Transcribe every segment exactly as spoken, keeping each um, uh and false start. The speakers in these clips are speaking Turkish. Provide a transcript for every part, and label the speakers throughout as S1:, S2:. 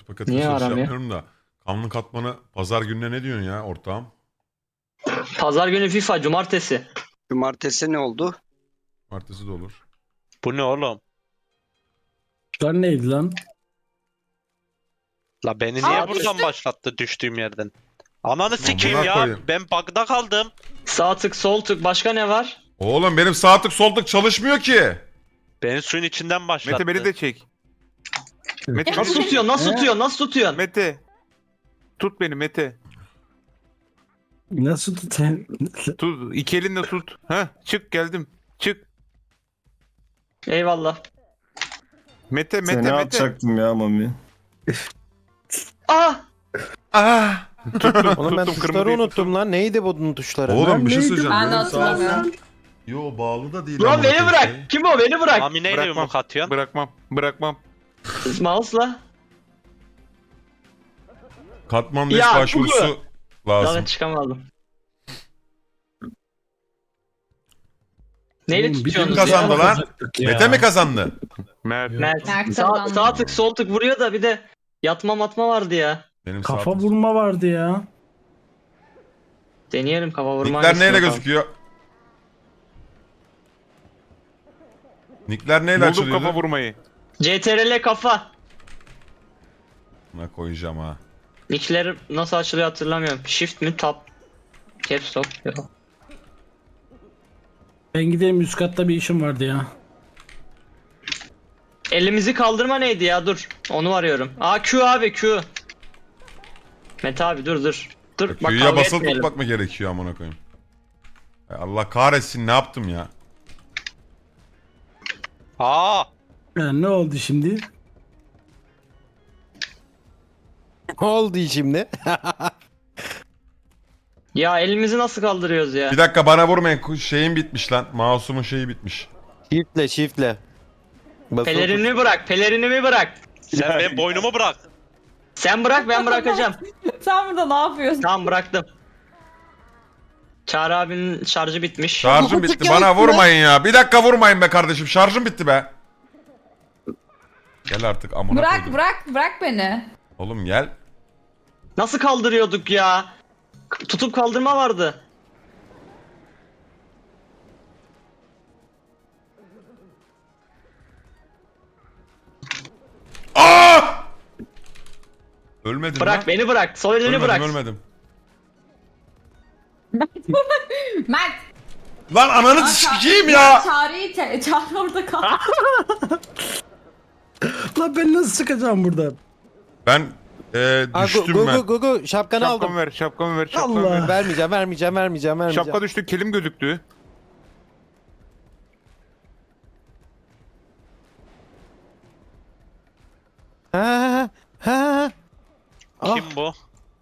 S1: kutu paket
S2: Niye
S1: açılışı
S2: aramıyor?
S1: yapmıyorum da. Kanlı katmanı pazar gününe ne diyorsun ya ortağım?
S2: Pazar günü FIFA, cumartesi.
S3: Cumartesi ne oldu?
S1: Martesi de olur.
S4: Bu ne oğlum?
S5: Lan neydi lan?
S4: La beni niye
S6: Aa,
S4: buradan başlattı düştüğüm yerden? Ananı sikeyim
S1: Amına
S4: ya.
S1: koyayım.
S4: Ben bug'da kaldım.
S2: Sağ tık, sol tık. Başka ne var?
S1: Oğlum benim sağ tık sol tık çalışmıyor ki.
S4: Beni suyun içinden başlattı.
S7: Mete beni de çek. Mete, beni
S2: Nasıl
S7: de
S2: tutuyorsun? Nasıl
S5: He?
S2: tutuyorsun? Nasıl
S7: çek.
S2: tutuyorsun?
S7: Mete. Tut beni Mete.
S5: Nasıl tutayım?
S7: Tut. İki elinle tut. Ha, çık geldim. Çık.
S2: Eyvallah.
S7: Mete Mete
S8: Seni
S7: Mete.
S8: atacaktım ya Mami.
S2: Ah!
S1: Ah!
S9: Oğlum ben
S7: Tuttum,
S9: tuşları
S7: kırmızıyı
S9: unuttum lan. Neydi bunun tuşları?
S1: Oğlum bir şey
S5: neydim?
S1: söyleyeceğim.
S6: Ben de
S1: Benim sağ-
S6: hatırlamıyorum.
S1: Yo bağlı da değil.
S2: Ulan
S1: amına
S2: beni
S1: koyayım
S2: bırak.
S1: şey.
S2: Kim o? Beni bırak.
S4: Mami neyle
S7: Bırakmam.
S4: yumruk atıyorsun?
S7: Bırakmam. Bırakmam.
S2: Mouse'la.
S1: Katman beş
S2: Ya,
S1: başvurusu
S2: Daha
S1: lazım.
S2: ben çıkamadım. Neyle
S5: Oğlum, bir
S2: tutuyorsunuz
S1: Kim
S2: ya?
S1: kazandı lan?
S5: Yapacaktık ya.
S1: Mete mi kazandı?
S7: Mert.
S2: Mert.
S6: Mert
S2: Sağ,
S6: kazandı.
S2: sağ tık, sol tık vuruyor da bir de yatma matma vardı ya.
S1: Benim sağ
S5: Kafa
S1: tık.
S5: vurma vardı ya.
S2: Deneyelim kafa vurma.
S1: Nickler
S2: hangisini
S1: neyle
S2: yapalım?
S1: gözüküyor? Nickler neyle
S7: Buldum
S1: açılıyor?
S7: kafa vurmayı.
S2: C T R L kafa.
S1: Buna koyacağım ha.
S2: Nickler nasıl açılıyor hatırlamıyorum. Shift mi? Tab. Caps lock. Yok.
S5: Ben gideyim, üst katta bir işim vardı ya.
S2: Elimizi kaldırma neydi ya? Dur. Onu arıyorum. Aa Q abi Q. Mete abi dur dur. Dur bak
S1: Q'ya
S2: kavga
S1: basılı
S2: etmeyelim.
S1: tutmak mı gerekiyor amına koyayım? Ay Allah kahretsin ne yaptım ya?
S4: Aa!
S5: Ya ne oldu şimdi?
S9: Ne oldu şimdi?
S2: Ya elimizi nasıl kaldırıyoruz ya?
S1: Bir dakika bana vurmayın şeyim bitmiş lan. Mouse'umun şeyi bitmiş.
S9: Shiftle shiftle. Basılı tut.
S2: Pelerinimi bırak, pelerinimi bırak.
S4: Sen benim boynumu bırak.
S2: Sen bırak ben bırakacağım.
S6: Sen burada ne yapıyorsun?
S2: Tamam bıraktım. Çağrı abinin şarjı bitmiş.
S1: Şarjım bitti bana vurmayın ya. Bir dakika vurmayın be kardeşim şarjım bitti be. Gel artık amına
S6: Bırak
S1: koydum.
S6: bırak bırak beni.
S1: Oğlum gel.
S2: Nasıl kaldırıyorduk ya? K- Tutup kaldırma vardı.
S1: Aa! Ölmedim
S2: Bırak
S1: lan.
S2: beni bırak. Sol elini
S1: Ölmedim
S2: bırak.
S1: ölmedim.
S6: Mert.
S1: Lan ananı sikeyim ya.
S6: Çağrı'yı te- Çağrı orada kaldı.
S5: Lan ben nasıl çıkacağım buradan?
S1: Ben e,
S9: Aa,
S1: düştüm
S9: gu,
S1: ben.
S9: gu, gu, gu, şapkanı aldım.
S7: Şapkamı ver. Şapkamı ver. Şapkamı
S5: Allah.
S7: ver.
S9: Vermeyeceğim vermeyeceğim vermeyeceğim vermeyeceğim.
S7: Şapka düştü. Kelim gözüktü.
S9: Ha ha. Ah.
S4: Kim bu?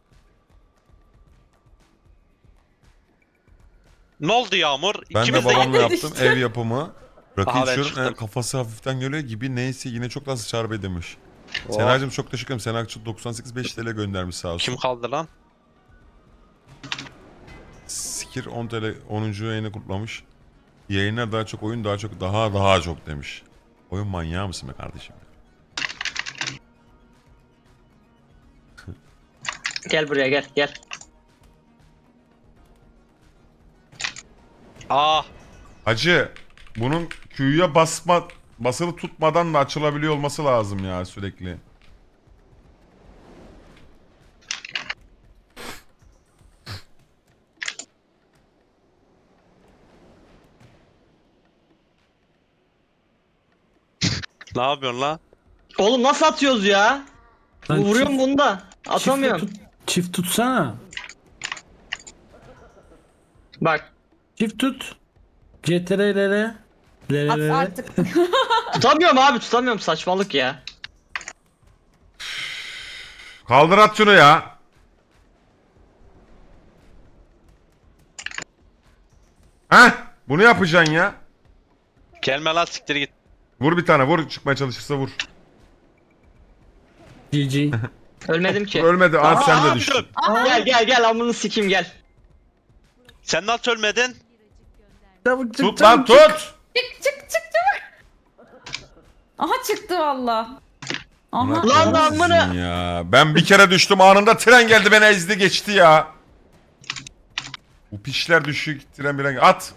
S4: Ne oldu Yağmur?
S1: Ben de
S4: İkimiz de
S1: babamla
S6: de
S1: yaptım
S6: düştüm.
S1: ev yapımı. Rakı
S4: Aha, ben
S1: içiyorum
S4: çıktım.
S1: e, kafası hafiften geliyor gibi neyse yine çok az çarpı demiş.
S4: Oh.
S1: Senacığım çok teşekkür ederim. Senacığım doksan sekiz beş T L göndermiş sağ olsun.
S4: Kim kaldı lan?
S1: Sikir on T L onuncu yayını kutlamış. Yayınlar daha çok oyun daha çok daha daha çok demiş. Oyun manyağı mısın be kardeşim?
S2: Gel buraya gel gel.
S4: Aa!
S1: Hacı bunun Q'ya basma basılı tutmadan da açılabiliyor olması lazım ya sürekli.
S4: Ne yapıyorsun lan?
S2: Oğlum nasıl atıyoruz ya?
S5: Lan
S2: Vuruyorum
S5: çift-
S2: bunda. Atamıyorum.
S5: Çift, tut, çift tutsana.
S2: Bak.
S5: Çift tut. C T R L
S6: At
S5: L.
S6: artık.
S2: Tutamıyorum abi tutamıyorum saçmalık ya.
S1: Kaldır at şunu ya. Heh bunu yapacaksın ya.
S4: Gelme lan siktir git.
S1: Vur bir tane vur çıkmaya çalışırsa vur.
S5: G G.
S2: Ölmedim ki.
S1: Ölmedi
S2: Aa,
S1: at sen de
S4: Aa,
S1: düştün.
S2: Gel gel gel amını sikeyim gel.
S4: Sen nasıl ölmedin?
S5: Çabuk çık,
S1: Tut lan
S5: çabuk çık.
S1: tut.
S6: Çık çık çık çabuk. Aha çıktı valla. Aha.
S2: Lan lan bunu.
S1: Ya. Ben bir kere düştüm anında tren geldi beni ezdi geçti ya. Bu pişler düşük tren bir at.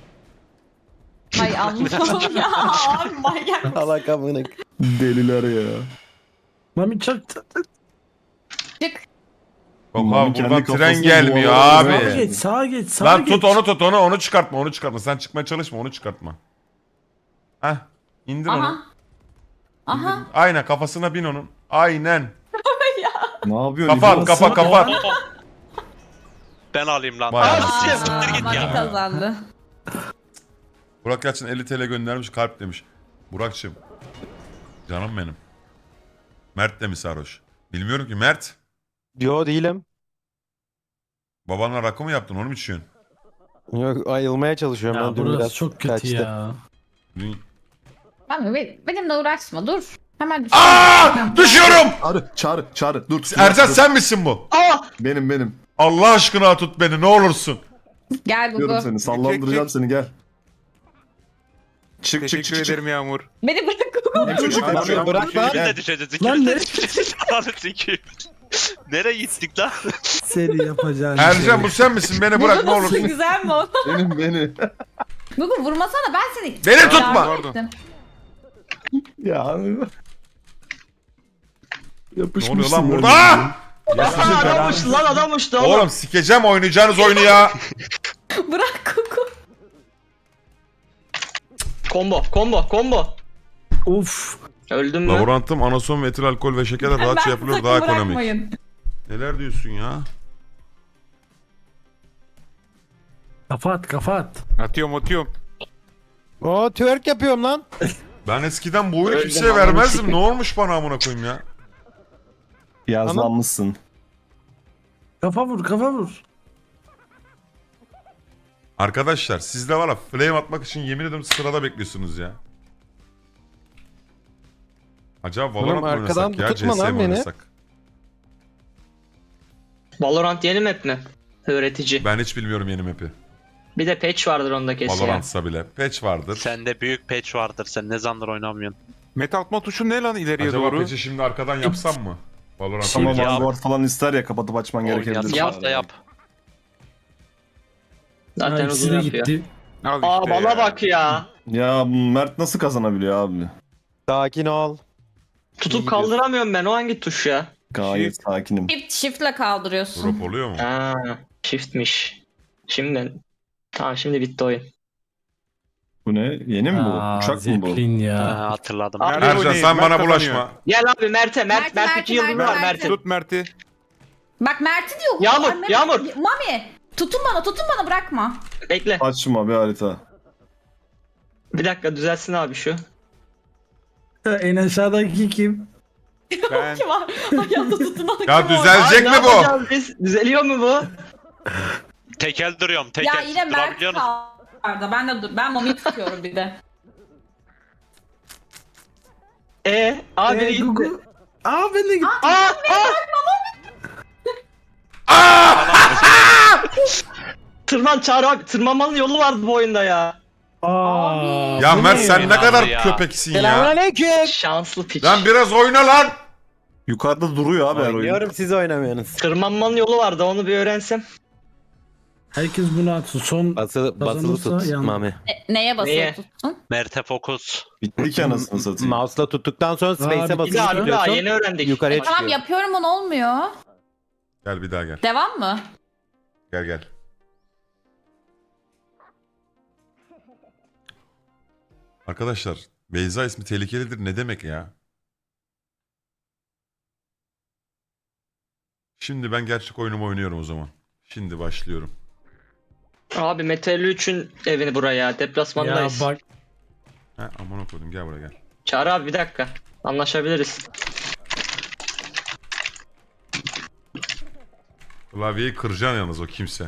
S6: Ay Allah'ım ya. Abi manyak.
S9: Allah kamını.
S8: Deliler ya.
S5: Mami çok
S6: Çık.
S1: Yok
S8: Mami
S1: abi
S8: kendi
S1: buradan tren
S8: kafasını
S1: gelmiyor
S8: duvara
S5: sağa
S1: abi.
S5: geç, sağa geç, sağa
S1: Lan
S5: geç.
S1: tut onu tut onu onu çıkartma onu çıkartma. Sen çıkmaya çalışma onu çıkartma. Heh indir onu.
S6: Aha. Aha.
S1: Aynen kafasına bin onun. Aynen.
S8: Ne yapıyorsun?
S1: Kafa at
S8: İbrahim?
S1: kafa kafa at.
S4: Ben alayım lan.
S1: Vay
S4: Aa,
S1: anasını.
S4: siktir git
S6: Mami
S4: ya.
S6: kazandı.
S1: Burak Yalçın elli TL göndermiş kalp demiş. Burak'cığım. Canım benim. Mert de mi sarhoş? Bilmiyorum ki Mert.
S9: Yo değilim.
S1: Babanla rakı mı yaptın onu mu içiyorsun?
S9: Yok ayılmaya çalışıyorum
S5: Ya
S9: ben dün
S5: burası
S9: biraz.
S5: çok kötü
S9: kaçtı.
S5: ya.
S1: Dün-
S6: Mami be- benimle uğraşma dur. Hemen düş.
S1: Aa! Düşüyorum!
S8: Çağrı, çağrı, çağrı. Dur.
S1: Ercan
S8: dur.
S1: sen misin bu?
S2: Aa!
S8: Benim, benim.
S1: Allah aşkına tut beni ne olursun.
S6: Gel
S8: Diyorum
S6: Gugu.
S8: seni. Sallandıracağım seni gel. Çık çık
S7: Teşekkür
S8: çık çık.
S7: ederim Yağmur.
S6: Beni bırak Gugu.
S8: Çık çık.
S9: Abi,
S8: Çık.
S9: bırak lan.
S4: İkimiz de düşeceğiz.
S5: Lan
S4: İkimiz de
S5: ne?
S4: düşeceğiz. Ananı sikeyim. Nereye gittik lan?
S5: Seni yapacağın
S1: Ercan bu sen misin? Beni bırak ne
S6: Nasıl
S1: olursun.
S6: güzel mi o?
S8: Benim beni.
S6: Gugu vurmasana ben seni.
S1: Beni tutma.
S6: Yardım ettim.
S8: Ya.
S1: Ne
S8: Yapışmışsın
S1: oluyor lan
S8: böyle.
S1: burada? Aa!
S2: Aa, adammış lan adammış da oğlum.
S1: Oğlum sikeceğim oynayacağınız oyunu ya.
S6: Bırak Gugu.
S2: Combo combo combo.
S5: Uf.
S2: Öldüm mü?
S1: Laborantım anason, metil alkol ve şekerle rahatça yapılıyor
S6: sakın
S1: daha ekonomik.
S6: bırakmayın.
S1: Neler diyorsun ya?
S5: Kafa at, kafa at.
S7: Atıyorum atıyorum.
S9: Oo twerk yapıyorum lan.
S1: Ben eskiden bu oyunu
S2: Öldüm,
S1: kimseye
S2: ananı
S1: vermezdim.
S2: sikeyim.
S1: Ne olmuş bana amına koyayım ya?
S8: Yazlanmışsın.
S5: Kafa vur, kafa vur.
S1: Arkadaşlar siz de var ya flame atmak için yemin ederim sırada bekliyorsunuz ya. Acaba Valorant mı
S9: Oğlum, arkadan
S1: oynasak ya? C S
S9: tutma lan
S1: mi
S9: beni.
S1: oynasak?
S2: Valorant yeni map mi? Öğretici.
S1: Ben hiç bilmiyorum yeni map'i.
S2: Bir de patch vardır onda kesin ya.
S1: Valorant'sa bile. Patch vardır.
S4: Sende büyük patch vardır. Sen ne zamandır oynamıyorsun?
S7: Metal atma tuşu ne lan ileriye
S1: Acaba
S7: doğru?
S1: patch'i şimdi arkadan yapsam mı? Valorant
S8: Ama
S1: oynayacağız.
S8: Vanguard falan ister ya kapatıp açman gerekebilir.
S4: Oynayasın
S2: Yap
S4: da yap.
S2: Zaten
S5: Ha,
S2: uzun
S5: ikisi de
S2: yapıyor.
S5: gitti.
S7: Al
S2: Aa
S7: işte
S2: bana
S7: ya.
S2: bak ya.
S8: Ya Mert nasıl kazanabiliyor abi?
S9: Sakin ol.
S2: Tutup kaldıramıyorum ben. O hangi tuş ya?
S8: Gayet sakinim.
S6: Shift, shift'le kaldırıyorsun.
S1: Drop oluyor mu?
S2: Ha, shift'miş. Şimdi tamam şimdi bitti oyun.
S8: Bu ne? Yeni mi bu?
S5: Aa,
S8: Uçak mı bu?
S5: Zeppelin ya.
S4: Ha, hatırladım.
S2: Aa,
S7: Nerede
S1: Ercan
S7: oynayayım?
S1: sen
S7: Mert
S1: bana
S7: kazanıyor.
S1: bulaşma.
S2: Gel abi Mert'e. Mert,
S6: Mert,
S2: Mert,
S6: Mert,
S2: iki yıldız
S6: Mert,
S2: var
S6: Mert.
S2: Mert'in.
S7: Tut Mert'i.
S6: Bak Mert'i diyor. Gugu.
S2: Yağmur,
S6: Ay, Mehmet-
S2: Yağmur.
S6: Mami. Tutun bana, tutun bana bırakma.
S2: Bekle.
S8: Açma bir harita.
S2: Bir dakika düzelsin abi şu.
S5: En aşağıdaki kim?
S7: Ben.
S6: Kim var? Hayatta tutunan
S1: Ya
S6: kim var?
S1: düzelecek
S2: Abi,
S1: mi
S2: ne
S1: bu?
S2: yapacağız biz? Düzeliyor mu bu?
S4: Tekel duruyorum. Tekel.
S6: Ya yine Mert
S4: Durabiliyor musun?
S6: kaldı. Ben de dur. Ben Mami'yi tutuyorum bir de.
S2: E, abi biri
S5: Ee,
S2: gitti.
S5: Gugu. Aa ben de gittim.
S2: Aa, aa. Tırman Çağrı abi. Tırmanmanın yolu vardı bu oyunda ya.
S5: Aa.
S1: Ya
S5: bu
S1: Mert
S5: ne
S1: sen
S5: ya?
S1: ne kadar
S4: ya.
S1: köpeksin ya.
S9: Selamünaleyküm.
S2: Şanslı piç.
S1: Lan biraz oyna lan.
S8: Yukarıda duruyor abi her oyun.
S9: Oynuyorum siz oynamıyorsunuz.
S2: Tırmanmanın yolu vardı onu bir öğrensem.
S5: Herkes bunu atsın. Son
S9: Basılı, basılı
S5: Kazanırsa
S9: tut
S5: yan-
S9: Mami.
S6: E, neye basılı
S2: Neye?
S6: tuttun?
S4: Mert'e fokus.
S8: Bitti ki anasını satayım.
S9: Mouse'la tuttuktan sonra space'e
S5: Abi,
S2: Bir
S9: basılı
S2: daha bir daha
S9: tutuyorsun.
S2: yeni öğrendik.
S9: Yukarıya
S6: E, tamam
S9: çıkıyor.
S6: yapıyorum onu olmuyor.
S1: Gel bir daha gel.
S6: Devam mı?
S1: Gel gel. Arkadaşlar Beyza ismi tehlikelidir ne demek ya? Şimdi ben gerçek oyunumu oynuyorum o zaman. Şimdi başlıyorum.
S2: Abi Metal üçün evini buraya.
S5: Ya
S2: Deplasmandayız.
S5: bak.
S1: He aman okudum gel buraya gel.
S2: Çağrı abi bir dakika. Anlaşabiliriz.
S1: Klavyeyi kıracaksın yalnız o kimse.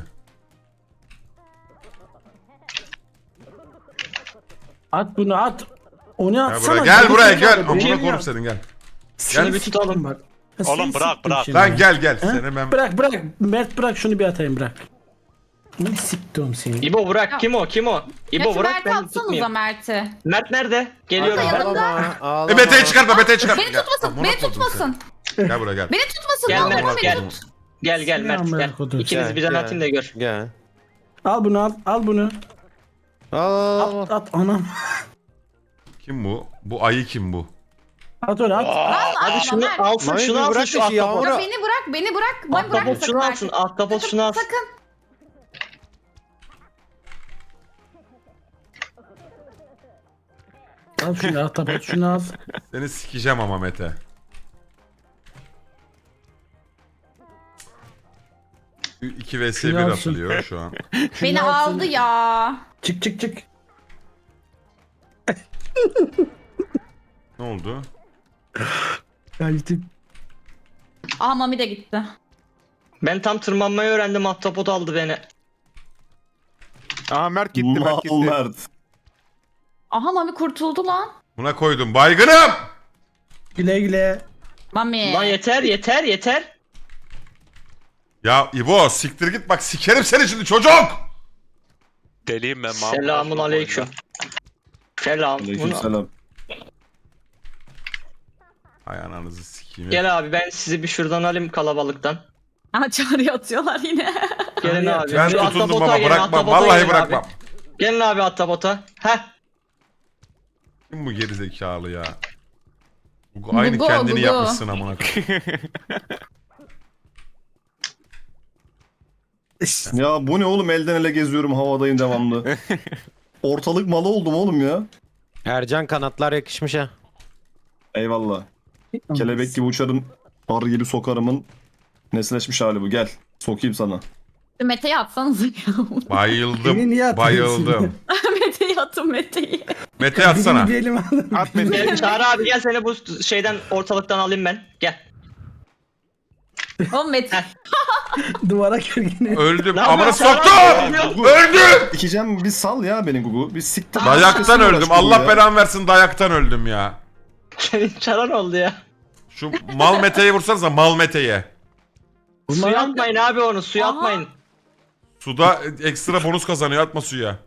S5: At bunu at. Onu
S1: Gel
S5: atsana.
S1: buraya gel buraya gel.
S5: Benim
S1: Amına
S5: ya.
S1: koyayım senin gel.
S2: Şunu
S5: Seni
S2: bir tutalım.
S5: siktim bak. Ya
S4: Oğlum
S5: seni
S4: bırak,
S5: siktim
S4: bırak.
S5: şimdi.
S1: Lan gel gel
S5: He?
S1: seni ben.
S5: Bırak bırak. Mert bırak şunu bir atayım bırak. Ne siktim seni.
S2: İbo bırak, kim o, kim o?
S6: Ya
S2: İbo
S6: şu
S2: bırak,
S6: Mert'i
S2: ben
S6: atsanıza
S2: tutmayayım.
S6: Mert'i.
S2: Mert nerede? Geliyorum
S6: Orada
S2: ben.
S6: yanımda.
S9: Ağlama, ağlama.
S1: E Mete'yi çıkartma Mete'yi çıkartma.
S6: Beni
S1: Gel.
S6: tutmasın,
S1: Amına
S6: beni
S1: koydum
S6: tutmasın.
S1: seni. Gel buraya gel.
S6: Beni tutmasın.
S2: Gel
S6: ne olur
S2: Mert,
S6: beni
S2: gel.
S6: tut.
S2: Gel gel Mert
S5: Amına
S2: gel.
S5: kodum.
S2: İkiniz
S9: Gel,
S2: bir
S9: gel.
S2: atayım da gör.
S9: Gel.
S5: Al bunu al. Al bunu.
S9: Al al al.
S5: At at anam.
S1: Kim bu? Bu ayı kim bu?
S5: At onu at.
S2: Hadi şunu
S6: Mert.
S2: alsın,
S9: Mami,
S2: şunu
S9: bir
S2: alsın
S9: bırak
S2: şu
S9: işi ya,
S2: ahtapot.
S9: Ora-
S6: Ya beni bırak, beni bırak. Beni bırak
S2: Ahtapot şunu alsın, ahtapot şunu alsın.
S6: Sakın.
S5: Al şunu at at şunu al.
S1: Seni sikeceğim ama Mete. iki vs bir
S5: Şunu alsın.
S1: atılıyor şu an.
S6: Beni
S5: Şunu alsın.
S6: aldı ya.
S5: Çık çık çık.
S1: Ne oldu?
S5: Kaçtık.
S6: Aha Mami de gitti.
S2: Ben tam tırmanmayı öğrendim, ahtapot aldı beni.
S7: Aha Mert gitti Mert
S8: Mal
S7: gitti.
S8: Mert.
S6: Aha Mami kurtuldu lan.
S1: Buna koydum. Baygınım!
S5: Güle güle.
S6: Mami.
S2: Lan yeter, yeter, yeter.
S1: Ya İbo siktir git bak sikerim seni şimdi çocuk!
S4: Deliyim ben Mahmut.
S2: Selamun
S4: Aslan
S2: aleyküm.
S4: boyunda.
S2: Selam. Bunu-
S8: Aleykümselam.
S1: Hay ananızı sikeyim.
S2: Gel abi, ben sizi bir şuradan alayım kalabalıktan.
S6: Aha çağrı atıyorlar yine.
S2: Gelin
S5: Abi,
S2: abi.
S1: Ben
S2: Şu
S1: tutundum
S2: ahtapota
S1: ama
S2: gelin,
S1: bırakmam.
S2: ahtapota
S1: Vallahi
S2: gelin
S1: bırakmam.
S2: Abi. Gelin abi ahtapota. Heh.
S1: Kim bu gerizekalı ya? Bu aynı
S6: Gugu,
S1: kendini
S6: Gugu.
S1: yapmışsın amına koyayım.
S8: Ya bu ne oğlum, elden ele geziyorum, havadayım devamlı. Ortalık malı oldum oğlum ya.
S9: Ercan kanatlar yakışmış ha.
S8: Eyvallah. Kelebek gibi uçarım, arı gibi sokarımın nesleşmiş hali bu. Gel sokayım sana.
S6: Mete'yi atsanıza ya.
S5: Beni
S1: Bayıldım.
S5: niye atıyorsun?
S1: Bayıldım.
S6: Mete'yi atın Mete'yi.
S1: Mete atsana.
S5: Birini bir elim alın.
S7: At Mete'yi.
S2: Gel Çağrı abi, gel seni bu şeyden, ortalıktan alayım ben. Gel.
S6: Oğlum Mete.
S5: Duvara kırgın.
S1: Öldüm.
S2: Lan
S1: Amına
S2: ben sana-
S1: soktum! Öldüm!
S8: Dikeceğim, bir sal ya beni Gugu. Bir siktir.
S1: Dayaktan
S8: Uğraş
S1: öldüm.
S8: Gugu
S1: Allah
S8: ya.
S1: belamı versin dayaktan öldüm ya.
S2: Senin çaran oldu ya.
S1: Şu mal Mete'yi vursanıza mal Mete'ye.
S2: Suya atmayın abi onu, suya
S6: Aha.
S2: atmayın.
S1: Suda ekstra bonus kazanıyor atma suya.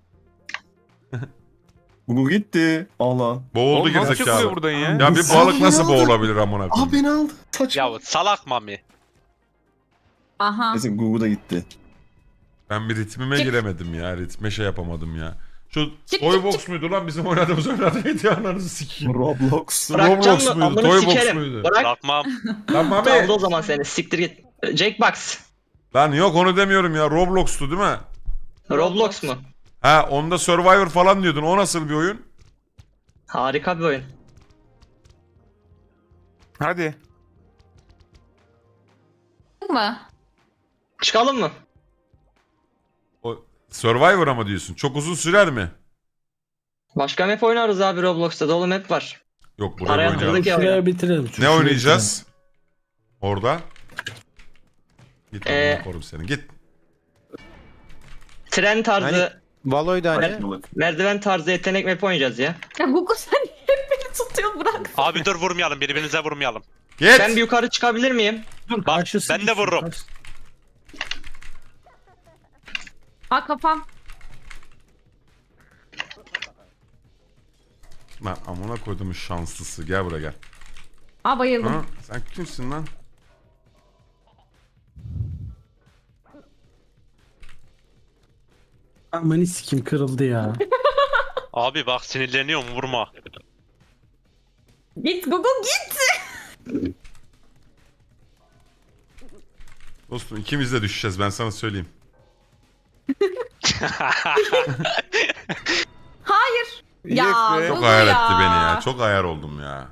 S8: Gugu gitti. Allah.
S1: Boğuldu
S7: Oğlum nasıl çıkıyor
S1: gerizekalı.
S7: buradan ya?
S1: Ya bir balık nasıl boğulabilir amına
S8: Aa
S1: koyayım?
S8: beni aldı. Saçma.
S4: Ya salak Mami.
S6: Aha.
S8: Neyse Gugu da gitti.
S1: Ben bir ritmime
S6: Çık.
S1: giremedim ya. Ritme şey yapamadım ya. Şu
S6: Çık,
S1: Toybox
S6: çık, çık.
S1: muydu lan bizim oynadığımız oyun adı neydi ananızı sikeyim.
S8: Roblox.
S2: Bırakacağım
S1: Roblox
S2: mı?
S1: muydu?
S2: Amını
S1: Toybox
S2: sikerim.
S1: muydu?
S2: Bırak.
S4: Bırakmam.
S1: Lan Mami.
S2: Aldı o zaman seni. Siktir git. Jackbox.
S1: Lan yok onu demiyorum ya. Roblox'tu değil mi?
S2: Roblox mu?
S1: Ha onda Survivor falan diyordun. O nasıl bir oyun?
S2: Harika bir oyun.
S7: Hadi.
S6: Mı?
S2: Çıkalım mı?
S1: O Survivor ama diyorsun. Çok uzun sürer mi?
S2: Başka map oynarız abi, Roblox'ta dolu map var.
S1: Yok buraya
S2: Araya
S1: oynayalım.
S2: kırdık ya.
S5: Şuraya bitirelim.
S1: Ne
S5: Şuraya
S1: oynayacağız? Orada. Git
S2: Ee,
S1: amına korum seni. Git.
S2: Tren tarzı,
S9: Hani- Valo'ydu hani.
S2: mer- merdiven tarzı yetenek map oynayacağız ya.
S6: Ya Gugu sen hep beni tutuyor bırak.
S4: Abi dur vurmayalım birbirimize vurmayalım.
S1: Git.
S2: Ben bir yukarı çıkabilir miyim?
S5: Dur,
S4: Bak,
S5: karşısı
S4: ben de
S5: düşsün,
S4: vururum.
S5: karşı-
S6: Aa kafam.
S1: Lan amına koydum şanslısı. Gel buraya gel.
S6: Aa bayıldım.
S1: Ha? Sen kimsin lan?
S5: Aman sikim kırıldı ya.
S4: Abi bak sinirleniyorum vurma.
S6: Git Gugu git.
S1: Dostum ikimiz de düşeceğiz ben sana söyleyeyim.
S6: Hayır. Ya
S7: Yes be.
S1: Çok
S6: Gugu
S1: ayar
S6: ya.
S1: etti beni ya. Çok ayar oldum ya.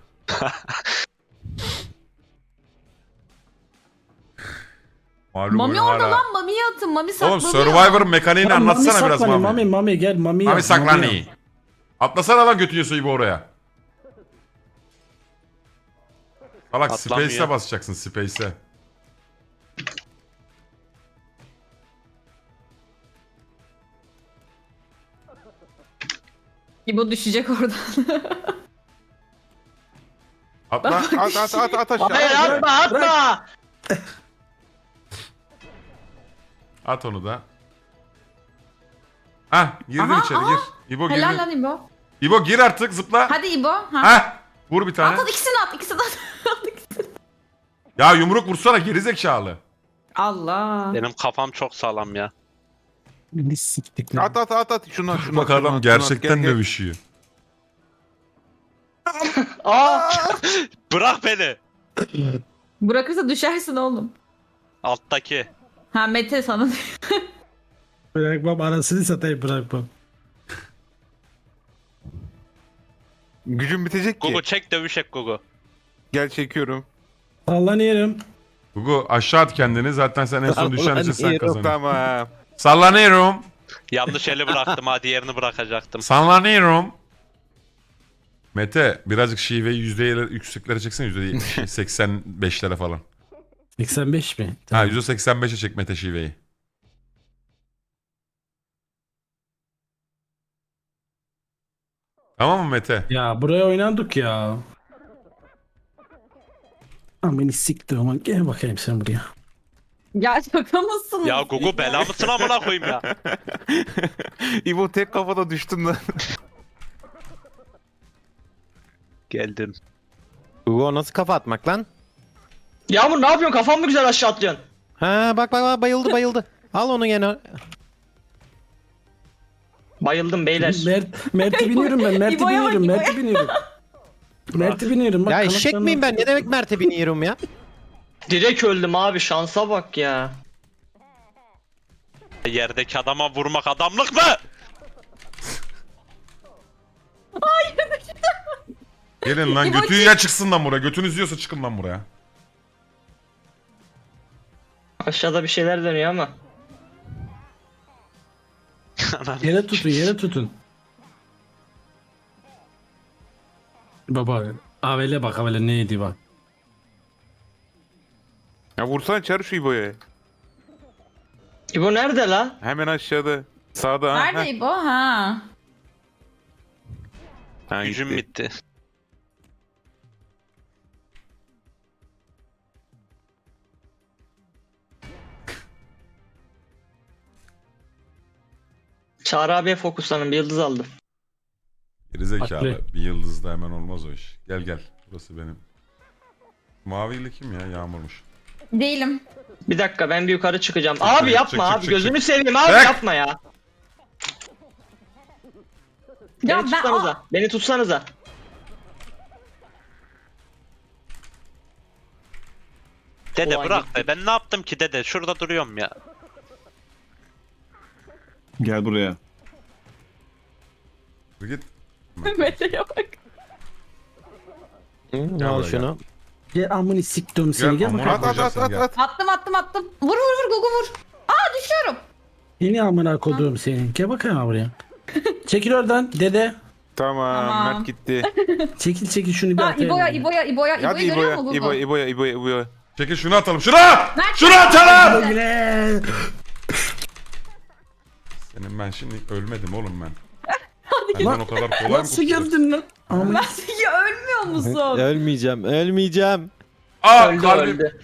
S1: Malum
S6: Mami
S1: oyun
S6: orada
S1: hala-
S6: lan, Mami'yi atın. Mami
S1: Oğlum
S6: saklanıyor.
S1: Survivor'ın mekaniğini
S5: Lan
S1: anlatsana
S5: Mami
S1: biraz
S5: saklanıyor,
S1: Mami.
S5: Mami Mami gel Mami
S1: Mami
S5: yap,
S1: saklan
S5: yap.
S1: iyi. Atlasana lan götü yiyorsa gibi oraya. Salak
S4: Atlanmıyor.
S1: Space'e basacaksın Space'e.
S6: İbo düşecek oradan.
S1: Atla.
S7: At at at at aşağı.
S2: Hayır atma atma.
S1: At onu da. Hah girdin
S6: Aha,
S1: içeri
S6: aha.
S1: gir. İbo
S6: Helal
S1: girdin.
S6: lan İbo.
S1: İbo gir artık zıpla.
S6: Hadi İbo. Ha.
S1: Hah. Vur bir tane.
S6: At at ikisini at ikisini at. At ikisini.
S1: Ya yumruk vursana gerizekalı.
S6: Allah.
S4: Benim kafam çok sağlam ya.
S5: Beni siktik lan.
S7: At at at at. Şunu at şunu
S1: Bak
S7: at, şunu
S1: adam
S7: at, şunu at.
S1: gerçekten
S7: Gel, gel.
S1: dövüşüyor.
S2: Aa!
S4: Bırak beni.
S6: Bırakırsa düşersin oğlum.
S4: Alttaki.
S6: Ha Mete sana.
S5: Bırakmam arasını satayım bırakmam.
S7: Gücüm bitecek ki.
S4: Gugu çek dövüşek Gugu.
S7: Gel çekiyorum.
S5: Sallanıyorum.
S1: Gugu aşağı at kendini zaten sen en son düşen için sen
S9: Sallanıyorum.
S1: kazanıyorsun.
S7: Tamam.
S1: Sallanıyorum.
S4: Yanlış eli bıraktım ha diğerini bırakacaktım.
S1: Sallanıyorum. Mete birazcık şiveyi yüzdeyle yükseklere çeksen yüzde seksen beşlere falan.
S5: seksen beş mi?
S1: Ha
S5: Tamam.
S1: yüzde seksen beşe çek Mete şiveyi. Tamam mı Mete?
S5: Ya buraya oynandık ya. Lan beni siktir ama gel bakayım sen buraya.
S6: Ya şaka mısın?
S4: Ya Gugu bela mısın amına koyayım ya.
S7: İbo tek kafada düştün lan.
S4: Geldim.
S9: Hugo nasıl kafa atmak lan?
S2: Yağmur ne yapıyorsun? Kafan mı güzel aşağı atlıyorsun?
S9: Ha bak bak bak bayıldı bayıldı. Al onu gene.
S2: Bayıldım beyler.
S5: Mert, Mert'i biniyorum ben. Mert'i
S6: İbo'ya bak,
S5: biniyorum.
S6: İbo'ya.
S5: Mert'i biniyorum. Mert'i biniyorum. Bak,
S9: Ya eşek
S5: kanatlarını-
S9: miyim ben? Ne demek Mert'e biniyorum ya?
S2: Direkt öldüm abi. Şansa bak ya.
S4: Yerdeki adama vurmak adamlık mı?
S1: Gelin lan
S6: İbo
S1: götü ya çıksın lan buraya. Götünüz yiyorsa çıkın lan buraya.
S2: Aşağıda bir şeyler dönüyor ama.
S5: Yere tutun, yere tutun. Baba, Avel'e bak, Avel'e neydi bak.
S7: Ya vursana çağır şu İbo'ya.
S2: İbo nerede la?
S7: Hemen aşağıda. Sağda ha.
S6: Nerede İbo? Ha.
S7: Ha,
S4: Gücüm
S7: gitti.
S4: bitti.
S2: Çağrı abiye fokuslanın. Bir yıldız aldım.
S1: Gerizekalı.
S5: Haklı.
S1: Bir yıldız da hemen olmaz o iş. Gel gel. Burası benim. Mavili kim ya? Yağmurmuş.
S6: Değilim.
S2: Bir dakika ben bir yukarı çıkacağım.
S1: Çık,
S2: Abi
S1: çık,
S2: yapma
S1: çık,
S2: abi.
S1: çık, çık,
S2: Gözünü
S1: çık.
S2: seveyim abi
S1: Çık.
S2: yapma ya.
S6: Ya
S2: Beni
S6: ben
S2: tutsanıza. Beni tutsanıza.
S4: Dede
S2: Ulan
S4: bırak
S2: gitti.
S4: be. Ben ne yaptım ki dede? Şurada duruyorum ya.
S8: Gel buraya.
S1: Dur git.
S6: Mete'ye bak.
S9: Hı,
S1: Gel
S9: al
S1: buraya,
S9: şunu.
S5: Gel amını siktim seni.
S1: Gel
S5: Gel
S1: amına
S5: bakayım.
S7: At at at
S1: koyacaksın,
S7: at
S1: gel.
S7: at.
S6: Attım attım attım. Vur vur vur Gugu vur. Aa düşüyorum.
S5: Yeni amına koduğum seni. Gel bakayım ha buraya. Çekil oradan dede.
S7: Tamam,
S6: Tamam.
S7: Mert gitti.
S5: Çekil çekil şunu bir
S6: Ha
S5: atayım.
S6: İbo'ya İbo'ya İbo'ya
S7: Hadi
S6: İbo'yu görüyor
S7: İbo'ya,
S6: musun
S7: İbo'ya,
S6: Gugu?
S7: İbo'ya, İbo'ya, İbo'ya.
S1: Çekil şunu atalım. Şuna!
S6: Mert-
S1: Şunu atalım!
S5: Güle.
S1: Senin ben şimdi ölmedim oğlum ben.
S6: Hadi
S1: Benden o kadar kolay mı
S5: Nasıl
S1: kurtulur?
S5: geldin lan? Amına
S6: Mert ya ölmüyor musun?
S9: Ölmeyeceğim, ölmeyeceğim.
S1: Aa
S2: Öldü
S1: kalbim.
S2: öldü.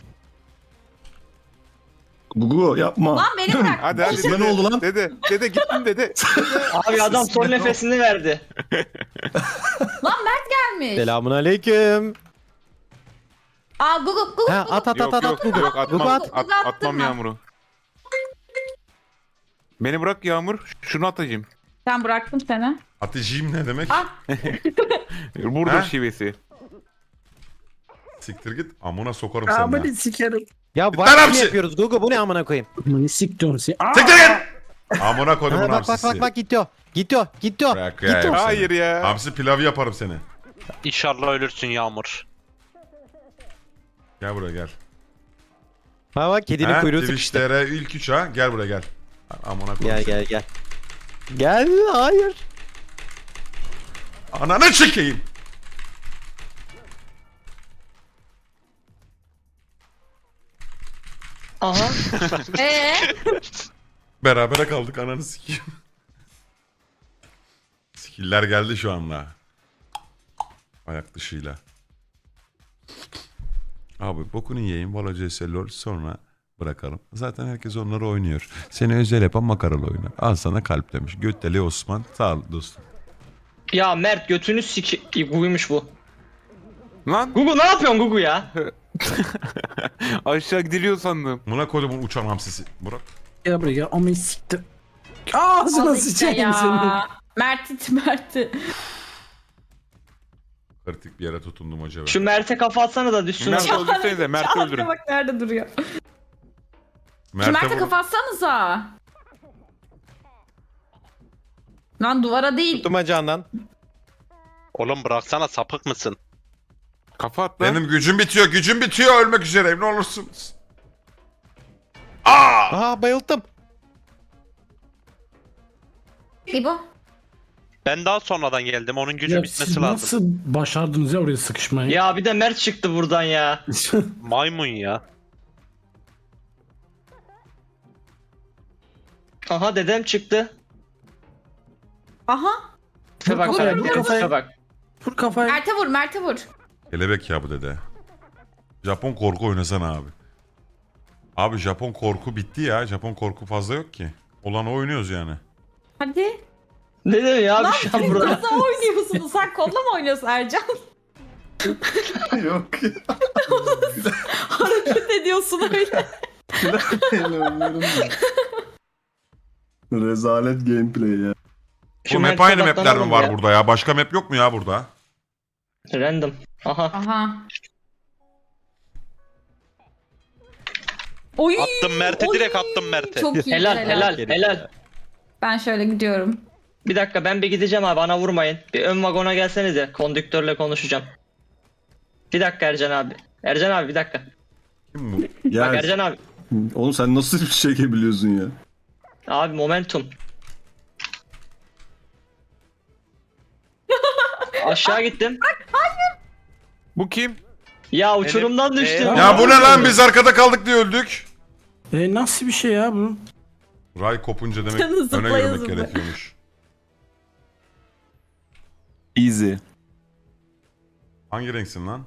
S8: Gugu yapma.
S6: Lan beni bırak.
S7: Hadi hadi.
S8: Size
S7: dede,
S8: ne oldu lan?
S7: Dede, dede gittin dede.
S2: Abi adam son nefesini verdi.
S6: Lan Mert gelmiş.
S9: Selamun aleyküm.
S6: Aa Gugu Gugu.
S9: Ha at at
S7: Yok
S9: at at.
S7: yok
S9: Gugu.
S7: yok atmam,
S9: Gugu at.
S7: at,
S6: Gugu attın
S7: atmam
S6: mı?
S7: Yağmur'u. Beni bırak Yağmur. Şunu atacağım.
S6: Ben bıraktım seni.
S1: Atıcıyım ne demek?
S6: Ah.
S7: Burada
S1: Ha?
S7: şivesi.
S1: Siktir git. Amına sokarım seni. ha.
S5: amını sikerim.
S9: Ya
S1: Lan
S9: var
S1: hapsi.
S9: yapıyoruz Gugu bu ne amına koyayım.
S5: Amını siktim seni. Aa!
S1: Siktir git! Amına koydum
S9: Ha,
S1: bunu
S9: bak bak
S1: hamsisi.
S9: bak bak gidiyor. Gidiyor gidiyor.
S1: Bırak
S9: Gidiyor.
S1: ya,
S7: Hayır
S1: seni.
S7: ya.
S1: Hamsi pilavı yaparım seni.
S4: İnşallah ölürsün Yağmur.
S1: Gel buraya gel.
S9: Ha bak kedinin
S1: Ha,
S9: kuyruğu
S1: Twitch
S9: sıkıştı.
S1: T R ilk üç ha. Gel buraya gel. Amına koydum
S9: Gel
S1: seni.
S9: gel gel. Gel hayır.
S1: Ananı çekeyim.
S2: Aha.
S6: Ee?
S1: Berabere kaldık ananı sikeyim. Skiller geldi şu anda. Ayak dışıyla. Abi bokunu yiyeyim. Valo C S LOL sonra bırakalım. Zaten herkes onları oynuyor. Seni özel yapan makaralı oynar. Al sana kalp demiş. Götteli Osman. Sağ ol dostum.
S2: Ya Mert götünü siki... Gugu'ymuş bu.
S7: Lan
S2: Gugu ne yapıyorsun Gugu ya?
S7: aşağı gidiliyor sandım.
S1: Buna kodumun uçan hamsisi. Burak.
S5: Gel buraya gel. Ama siktir. Ağzına
S6: Al işte
S5: sıçayım senin.
S6: ya. Mert it Mert'i.
S1: Kritik bir yere tutundum acaba.
S2: Şu Mert'e kafa atsana da düşsün.
S7: Mert
S2: orada.
S7: öldürsenize Mert'i
S6: Çağatay
S7: öldürün.
S6: bak nerede duruyor. Şu
S1: Mert'e
S6: Mert'e
S1: vur-
S6: kafa atsanıza. Lan duvara değil.
S9: Tuttum bacağından.
S4: Oğlum bıraksana, sapık mısın?
S7: Kafa at lan.
S1: Benim gücüm bitiyor. Gücüm bitiyor. Ölmek üzereyim. Ne olursunuz.
S9: Aha bayıldım.
S6: İbo.
S4: Ben daha sonradan geldim. Onun gücü
S5: Ya
S4: bitmesi
S5: siz
S4: lazım.
S5: nasıl başardınız ya oraya sıkışmayı?
S2: Ya bir de Mert çıktı buradan ya.
S4: Maymun ya.
S2: Aha dedem çıktı.
S6: Aha.
S2: Tipe bak
S5: Vur
S2: karaktere,
S5: kafaya, vur kafaya.
S2: tipe bak.
S5: Vur kafayı.
S6: Mert'e vur Mert'e vur.
S1: Kelebek ya bu dede. Japon korku oynasana abi. Abi Japon korku bitti ya. Japon korku fazla yok ki. Olanı oynuyoruz yani.
S6: Hadi.
S2: Ne diyor ya abi şu an
S6: Siz
S2: burada?
S6: nasıl oynuyorsunuz? Sen kolla mı oynuyorsun Ercan?
S8: Yok ya.
S6: Hareket ediyorsun öyle.
S8: Rezalet gameplay ya.
S2: Şu
S1: Bu map
S2: Mert'e
S1: aynı mapler mi
S2: odaklanalım
S1: var
S2: ya.
S1: burada ya? Başka map yok mu ya burada?
S2: Random. Aha.
S6: Aha. Oy.
S4: Attım Mert'e,
S6: oy.
S4: direkt attım Mert'e.
S6: Çok iyi
S2: Helal helal
S9: Gerek
S2: helal.
S6: Ben şöyle gidiyorum.
S2: Bir dakika ben bir gideceğim abi, bana vurmayın. Bir ön vagona gelsenize. Kondüktörle konuşacağım. Bir dakika Ercan abi. Ercan abi bir dakika.
S1: Kim bu?
S2: Bak
S8: Ya
S2: Ercan abi.
S8: oğlum sen nasıl bir şey çekebiliyorsun ya?
S2: Abi momentum. Aşağı gittim.
S7: Bu kim?
S2: Ya uçurumdan
S4: Benim-
S2: düştüm.
S4: Ee,
S1: Ya bu ne lan, biz arkada kaldık diye öldük.
S5: E, nasıl bir şey ya bu?
S1: Ray kopunca demek
S6: Canı
S1: öne
S6: zıplaya
S1: yürümek
S6: zıplaya.
S1: gerekiyormuş.
S8: Easy.
S1: Hangi renksin lan?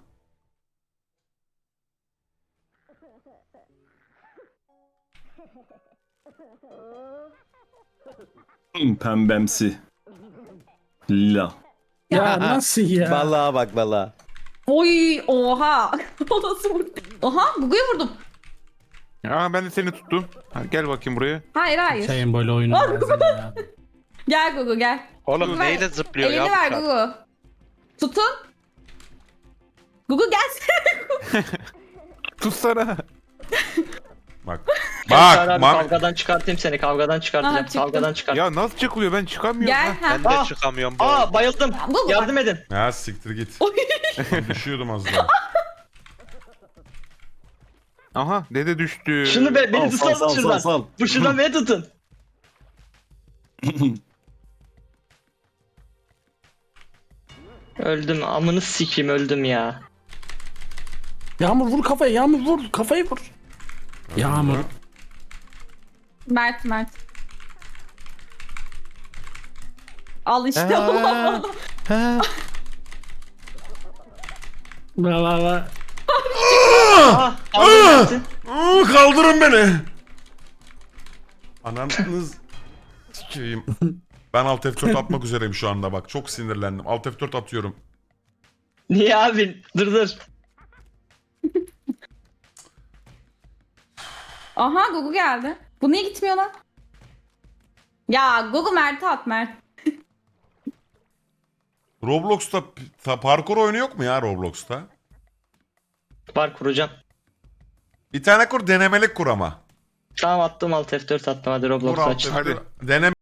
S8: Hmm, Pembemsi. Lila.
S5: Ya nasıl ya?
S9: Vallahi bak vallahi.
S6: Oy oha. O nasıl vurdu? Oha Gugu'yu vurdum.
S7: Aa ben de seni tuttum. Ha, gel bakayım buraya.
S6: Hayır hayır.
S5: Şeyin böyle oyunu bazen ya.
S6: Gel Gugu gel.
S4: Oğlum
S6: Ver.
S4: neyle zıplıyor
S6: Elini
S4: ya?
S6: ver
S4: bu
S6: Gugu. Tutun. Gugu gelsene.
S7: Tutsana.
S1: Bak.
S2: Bak,
S1: Bak. Bak.
S2: kavgadan çıkartayım seni, kavgadan çıkartacağım.
S6: Aha, çıktım.
S2: Kavgadan çıkart.
S7: Ya nasıl çıkılıyor, ben çıkamıyorum.
S6: Gel.
S7: Ha.
S6: Ha.
S4: Ben de
S2: Aa!
S4: çıkamıyorum bu arada.
S2: Aa bayıldım.
S6: Gugu
S2: Yardım edin.
S1: Ya siktir git.
S6: Oy.
S1: Ben düşüyordum az daha.
S7: Aha dede düştü.
S2: Şunu be, beni
S8: Sal, sal,
S2: tutsanız
S8: sal,
S2: şuradan.
S8: sal, sal.
S2: Bu şuradan beni tutun. Öldüm, amını sikeyim, öldüm ya.
S5: Yağmur vur kafayı, Yağmur vur kafayı vur. Yağmur.
S6: Mert Mert. Al işte.
S9: Ha. Ha.
S5: Va va va.
S2: Ah, kaldırın.
S1: Aa, kaldırın beni. Ananız sikeyim. Ben Alt F dört atmak üzereyim şu anda bak. Çok sinirlendim. Alt F dört atıyorum.
S2: Niye abi? Dur dur.
S6: Aha Gugu geldi. Bu niye gitmiyor lan? Ya Gugu Mert'e at Mert.
S1: Roblox'ta ta- parkur oyunu yok mu ya Roblox'ta?
S2: Var, kuracağım.
S1: Bir tane kur, denemelik kur ama.
S2: Tamam attım, alt F dört attım, hadi
S1: Kur
S2: Roblox
S1: Alt
S2: aç.
S1: F dört. Deneme